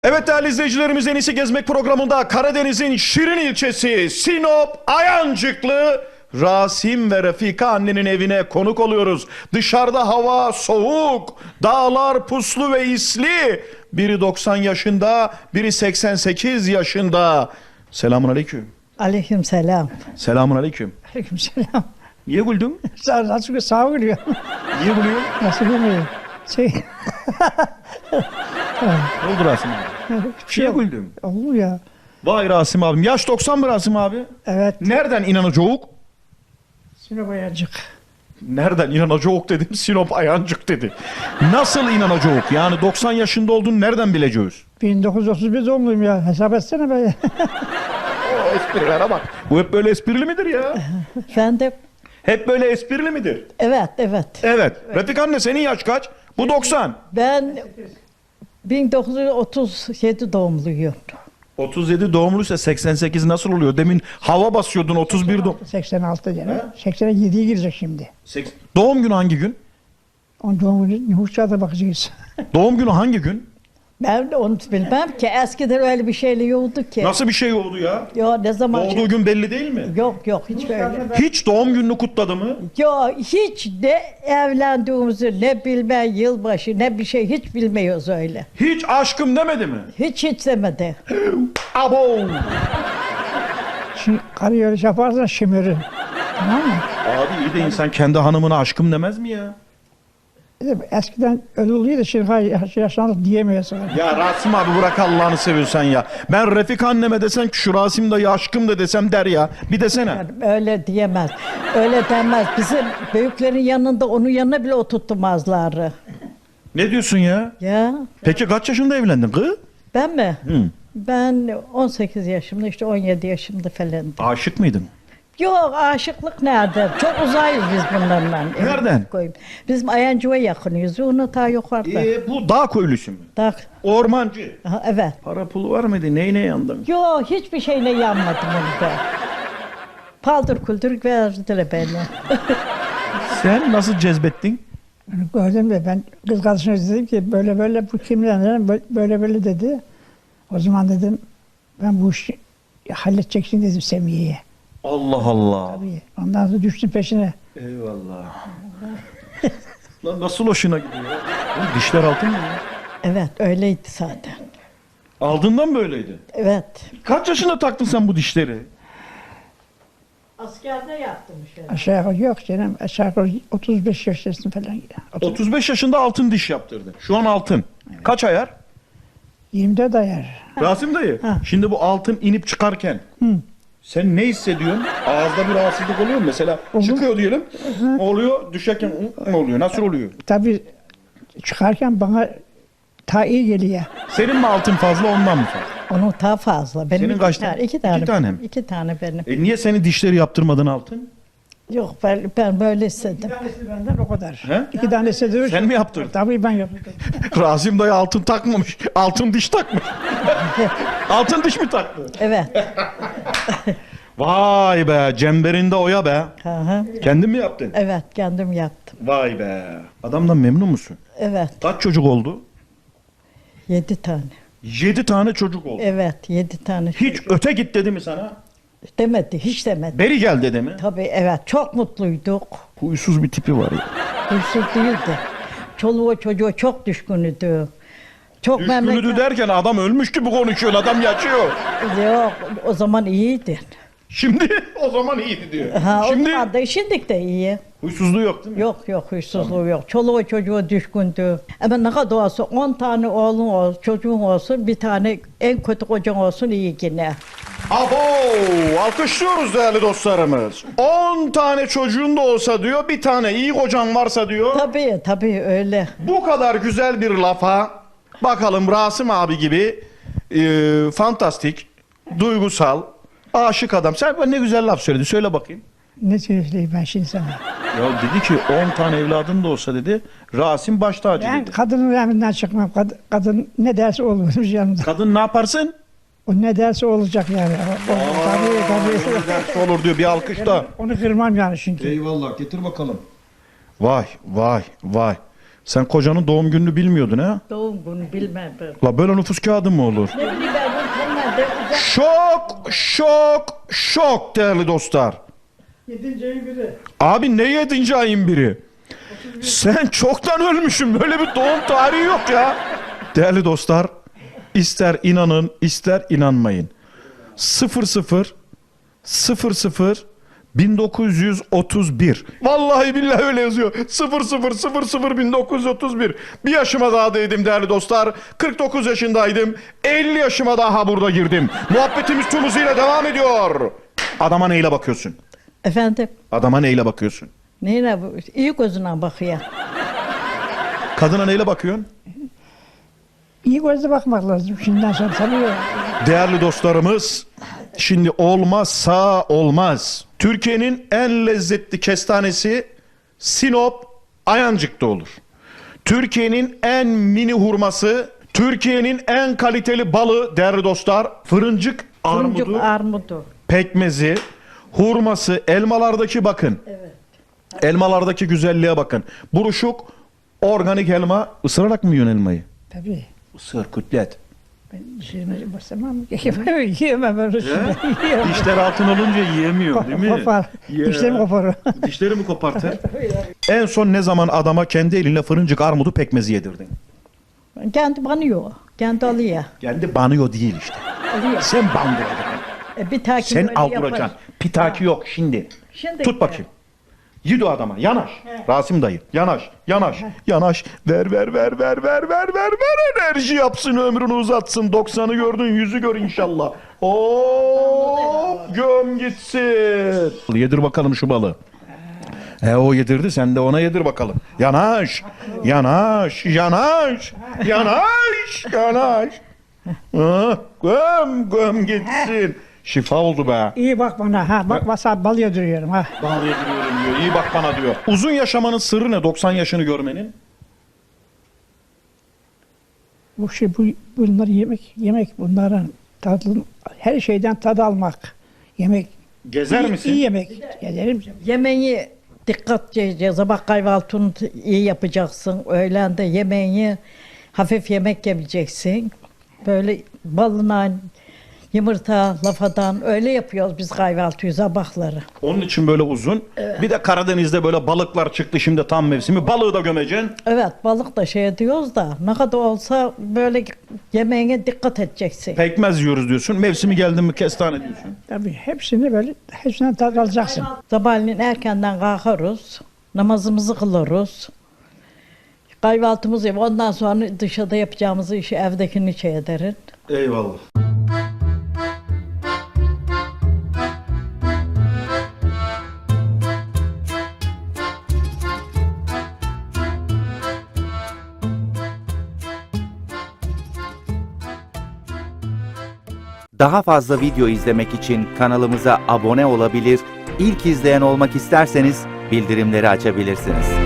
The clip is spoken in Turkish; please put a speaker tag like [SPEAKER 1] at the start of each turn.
[SPEAKER 1] Evet değerli izleyicilerimiz, En İyisi Gezmek programında Karadeniz'in Şirin ilçesi Sinop Ayancıklı Rasim ve Refika annenin evine konuk oluyoruz. Dışarıda hava soğuk, dağlar puslu ve isli. Biri 90 yaşında, biri 88 yaşında. Selamun aleyküm.
[SPEAKER 2] Aleyküm selam.
[SPEAKER 1] Selamun aleyküm.
[SPEAKER 2] Aleyküm selam.
[SPEAKER 1] Niye güldün?
[SPEAKER 2] Sağ gülüyor.
[SPEAKER 1] Niye gülüyorsun?
[SPEAKER 2] Nasıl gülmüyor?
[SPEAKER 1] Ne oldu Rasim abi? Niye güldün?
[SPEAKER 2] Olur ya.
[SPEAKER 1] Vay Rasim abim. Yaş 90 mı Rasim abi?
[SPEAKER 2] Evet.
[SPEAKER 1] Nereden inanacağız?
[SPEAKER 2] Sinop Ayancık.
[SPEAKER 1] Nereden inanacağız dedim, Sinop Ayancık dedi. Nasıl inanacağız? Yani 90 yaşında olduğunu nereden bileceğiz?
[SPEAKER 2] 1931 doğumluyum ya. Hesap etsene be.
[SPEAKER 1] O esprilere bak. Bu hep böyle esprili midir ya?
[SPEAKER 2] Efendim?
[SPEAKER 1] Hep böyle esprili midir?
[SPEAKER 2] Evet, evet.
[SPEAKER 1] Evet. Refik anne, senin yaş kaç? Bu 90.
[SPEAKER 2] Ben 1937 doğumluyum.
[SPEAKER 1] 37 doğumluysa 88 nasıl oluyor? Demin hava basıyordun 31 doğum.
[SPEAKER 2] 86 canım. 87'ye girecek şimdi.
[SPEAKER 1] Doğum günü hangi gün?
[SPEAKER 2] Onun doğum günü nüfus kağıdına bakacağız.
[SPEAKER 1] Doğum günü hangi gün?
[SPEAKER 2] Ben de onu bilmem ki. Eskiden öyle bir şeyle yoktu ki.
[SPEAKER 1] Nasıl bir şey oldu ya?
[SPEAKER 2] Yo, ne zaman?
[SPEAKER 1] Doğduğu gün belli değil mi?
[SPEAKER 2] Yok, hiç böyle.
[SPEAKER 1] Hiç doğum gününü kutladı mı?
[SPEAKER 2] Yo, hiç ne evlendiğimizi, ne bilme yılbaşı, ne bir şey hiç bilmiyoruz öyle.
[SPEAKER 1] Hiç aşkım demedi mi?
[SPEAKER 2] Hiç demedi.
[SPEAKER 1] Abo!
[SPEAKER 2] Şimdi karı öyle yaparsan şımarır. Tamam mı?
[SPEAKER 1] Abi iyi de insan kendi hanımına aşkım demez mi ya?
[SPEAKER 2] Eskiden öyle oluyordu, şimdi yaşlandık diyemiyorsun.
[SPEAKER 1] Ya Rasim abi bırak Allah'ını seviyorsan ya. Ben Refik anneme desen ki şu Rasim dayı aşkım da desem der ya. Bir desene.
[SPEAKER 2] Yani öyle diyemez. Öyle demez. Bizim büyüklerin yanında onun yanına bile oturtmazlar.
[SPEAKER 1] Ne diyorsun ya?
[SPEAKER 2] Ya
[SPEAKER 1] Peki kaç yaşında evlendin kız?
[SPEAKER 2] ben mi?
[SPEAKER 1] Hı.
[SPEAKER 2] Ben 18 yaşımda, işte 17 yaşımda falan.
[SPEAKER 1] Aşık mıydın?
[SPEAKER 2] Yok, aşıklık nerede? Çok uzayız biz bunlarla.
[SPEAKER 1] Nereden?
[SPEAKER 2] Koyayım. Bizim Ayancık'a yakınıyız. Onu ta yukarıda.
[SPEAKER 1] Bu dağ köylüsü mü?
[SPEAKER 2] Tak.
[SPEAKER 1] Ormancı.
[SPEAKER 2] Aha, evet.
[SPEAKER 1] Para pulu var mıydı? Neyine yandın?
[SPEAKER 2] Yok, hiçbir şeyle yanmadım onu ben. Paldır kuldur verdiler beni.
[SPEAKER 1] Sen nasıl cezbettin?
[SPEAKER 2] Gördüm de ben kız kardeşime dedim ki böyle böyle bu kimden dedim, böyle böyle dedi. O zaman dedim ben bu işi halledeceksin dedim Semiye'ye.
[SPEAKER 1] Allah Allah.
[SPEAKER 2] Tabii. Ondan sonra düştüm peşine.
[SPEAKER 1] Eyvallah. Lan nasıl hoşuna gidiyor? Oğlum dişler altın mı ya?
[SPEAKER 2] Evet, öyleydi zaten.
[SPEAKER 1] Aldığından böyleydi.
[SPEAKER 2] Evet.
[SPEAKER 1] Kaç yaşında taktın sen bu dişleri?
[SPEAKER 2] Askerde yaptım şöyle. Aşağı yukarı yok canım. Aşağı yukarı 35 yaşındasın falan.
[SPEAKER 1] 35 yaşında altın diş yaptırdı. Şu an altın. Kaç ayar?
[SPEAKER 2] 24 ayar.
[SPEAKER 1] Rasim dayı.
[SPEAKER 2] Ha.
[SPEAKER 1] Şimdi bu altın inip çıkarken sen ne hissediyorsun? Ağızda bir rahatsızlık oluyor mu? Mesela çıkıyor diyelim. Oluyor. Düşerken ne oluyor? Nasıl oluyor?
[SPEAKER 2] Tabii çıkarken bana ta iyi geliyor.
[SPEAKER 1] Senin mi altın fazla, ondan mı fazla?
[SPEAKER 2] Onun daha fazla. Benim
[SPEAKER 1] Senin
[SPEAKER 2] iki
[SPEAKER 1] kaç
[SPEAKER 2] tane?
[SPEAKER 1] tane?
[SPEAKER 2] İki tane.
[SPEAKER 1] İki tane mi?
[SPEAKER 2] İki tane benim.
[SPEAKER 1] Niye senin dişleri yaptırmadın altın?
[SPEAKER 2] Yok, ben böyle istedim.
[SPEAKER 3] Tanesi benden o kadar.
[SPEAKER 1] He?
[SPEAKER 3] 2 tanesi de
[SPEAKER 1] Sen mi yaptırdın?
[SPEAKER 3] Tabii ben yaptım.
[SPEAKER 1] Rasim dayı altın takmamış. Altın diş takmış. Altın diş mi taktı?
[SPEAKER 2] Evet.
[SPEAKER 1] Vay be, cemberinde oya be.
[SPEAKER 2] Hı hı.
[SPEAKER 1] Kendin mi yaptın?
[SPEAKER 2] Evet, kendim yaptım.
[SPEAKER 1] Vay be. Adamdan memnun musun?
[SPEAKER 2] Evet,
[SPEAKER 1] Kaç çocuk oldu?
[SPEAKER 2] 7 tane.
[SPEAKER 1] 7 tane çocuk oldu.
[SPEAKER 2] Evet, 7 tane.
[SPEAKER 1] Hiç öte git dedi mi sana?
[SPEAKER 2] Demedi, hiç demedi.
[SPEAKER 1] Beri gel dedi mi?
[SPEAKER 2] Tabii evet, çok mutluyduk.
[SPEAKER 1] Huysuz bir tipi var ya.
[SPEAKER 2] Huysuz değildi. Çoluğu çocuğu çok düşkünüydü. Çok
[SPEAKER 1] Düşkünüdü derken adam ölmüş gibi konuşuyor. Adam yaşıyor.
[SPEAKER 2] Yok, o zaman iyiydi.
[SPEAKER 1] Şimdi o zaman iyiydi diyor.
[SPEAKER 2] Ha,
[SPEAKER 1] Şimdi
[SPEAKER 2] o zaman da şimdilik de iyi.
[SPEAKER 1] huysuzluğu yok değil mi?
[SPEAKER 2] Yok, huysuzluğu yok. Çoluğu çocuğu düşkündü. Ama ne kadar olsa 10 tane oğlun olsun, çocuğun olsun, bir tane en kötü kocan olsun iyi yine.
[SPEAKER 1] Abo! Alkışlıyoruz değerli dostlarımız. 10 tane çocuğun da olsa diyor, bir tane iyi kocan varsa diyor.
[SPEAKER 2] Tabii öyle.
[SPEAKER 1] Bu kadar güzel bir lafa bakalım Rasim abi gibi fantastik, duygusal, aşık adam. Sen bana ne güzel laf söyledin. Söyle bakayım.
[SPEAKER 3] Ne söyleyeyim ben şimdi sana?
[SPEAKER 1] Ya dedi ki 10 tane evladın da olsa dedi, Rasim baş tacı
[SPEAKER 3] Ben
[SPEAKER 1] dedi.
[SPEAKER 3] kadının emrinden çıkmam. Kadın ne derse olur yanımda.
[SPEAKER 1] Kadın ne yaparsın?
[SPEAKER 3] O ne derse olacak yani. Tabii.
[SPEAKER 1] Ne derse olur diyor, bir alkış da.
[SPEAKER 3] Onu kırmam yani çünkü.
[SPEAKER 1] Eyvallah, getir bakalım. Vay. Sen kocanın doğum gününü bilmiyordun ha?
[SPEAKER 3] Doğum günü bilmedim.
[SPEAKER 1] La böyle nüfus kağıdı mı olur?
[SPEAKER 3] Ne bileyim ben bunlar da
[SPEAKER 1] Şok değerli dostlar.
[SPEAKER 2] 7. ayın biri.
[SPEAKER 1] Abi ne 7. ayın biri? Sen çoktan ölmüşsün. Böyle bir doğum tarihi yok ya. Değerli dostlar, ister inanın ister inanmayın. 00 1931. Vallahi billahi öyle yazıyor. 00 1931. Bir yaşıma daha değdim değerli dostlar. 49 yaşındaydım. 50 yaşıma daha burada girdim. Muhabbetimiz tüm hızıyla devam ediyor. Adama neyle bakıyorsun?
[SPEAKER 3] Efendim,
[SPEAKER 1] Adama neyle bakıyorsun?
[SPEAKER 3] neyle bu? İyi gözüne bakıyor.
[SPEAKER 1] Kadına neyle bakıyorsun?
[SPEAKER 2] İyi gözle bakmak lazım şimdiden sonra tabii.
[SPEAKER 1] Değerli dostlarımız, şimdi olmazsa olmaz. Türkiye'nin en lezzetli kestanesi Sinop Ayancık'ta olur. Türkiye'nin en mini hurması, Türkiye'nin en kaliteli balı değerli dostlar, fırıncık
[SPEAKER 3] Fırıncık
[SPEAKER 1] armudu,
[SPEAKER 3] armudu.
[SPEAKER 1] pekmezi, hurması, elmalardaki bakın.
[SPEAKER 3] Evet.
[SPEAKER 1] Elmalardaki güzelliğe bakın. Buruşuk, organik elma. Isırarak mı yiyorsun elmayı?
[SPEAKER 2] Tabii.
[SPEAKER 1] Isır, kütlet.
[SPEAKER 2] Ben şeyime basamam. Yiyemem öyle şey. Yiyemem.
[SPEAKER 1] Dişler altın olunca yiyemiyor değil mi?
[SPEAKER 2] Kopar.
[SPEAKER 1] Ya.
[SPEAKER 2] Dişlerim koparır.
[SPEAKER 1] Dişleri mi kopartır? En son ne zaman adama kendi elinle fırıncık armudu pekmezi yedirdin?
[SPEAKER 3] Kendi banıyor. Kendi alıyor.
[SPEAKER 1] Kendi banıyor değil işte.
[SPEAKER 3] Alıyor.
[SPEAKER 1] Sen bandıracaksın.
[SPEAKER 3] Bir takip
[SPEAKER 1] Sen
[SPEAKER 3] öyle
[SPEAKER 1] alduracaksın.
[SPEAKER 3] yapar.
[SPEAKER 1] Pitaki yok şimdi.
[SPEAKER 3] Şimdi
[SPEAKER 1] Tut bakayım. Yedi o adama. Yanaş. Rasim dayı. Yanaş. Yanaş. Yanaş. Ver. Enerji yapsın, ömrünü uzatsın. 90'ı gördün, 100'ü gör inşallah. Oo, göm gitsin. Yedir bakalım şu balı. O yedirdi, sen de ona yedir bakalım. Yanaş. Göm gitsin. Şifa oldu be.
[SPEAKER 2] İyi bak bana ha. Bak basa bal yediriyorum ha.
[SPEAKER 1] Bal yediriyorum diyor. İyi bak bana diyor. Uzun yaşamanın sırrı ne? 90 yaşını görmenin.
[SPEAKER 2] Bunlar yemek bunların tadı, her şeyden tad almak. Yemek.
[SPEAKER 1] Gezer misin?
[SPEAKER 2] İyi yemek. Gezerim.
[SPEAKER 3] Yemeği dikkat edeceğiz. Sabah kahvaltını iyi yapacaksın. Öğlen de yemeği hafif yemek yemeyeceksin. Böyle balına, yumurta, lafadan öyle yapıyoruz biz kahvaltıyı sabahları.
[SPEAKER 1] Onun için böyle uzun. Bir de Karadeniz'de böyle balıklar çıktı şimdi tam mevsimi. Balığı da gömeceksin.
[SPEAKER 3] Evet, balık da şey diyoruz da ne kadar olsa böyle yemeğine dikkat edeceksin.
[SPEAKER 1] Pekmez yiyoruz diyorsun. Mevsimi geldi mi kestane diyorsun.
[SPEAKER 2] Tabii hepsinden tad alacaksın.
[SPEAKER 3] Sabahleyin erkenden kalkarız, namazımızı kılarız. Kahvaltımızı yap, ondan sonra dışarıda yapacağımız işi evdekini şey ederiz.
[SPEAKER 1] Eyvallah.
[SPEAKER 4] Daha fazla video izlemek için kanalımıza abone olabilir, ilk izleyen olmak isterseniz bildirimleri açabilirsiniz.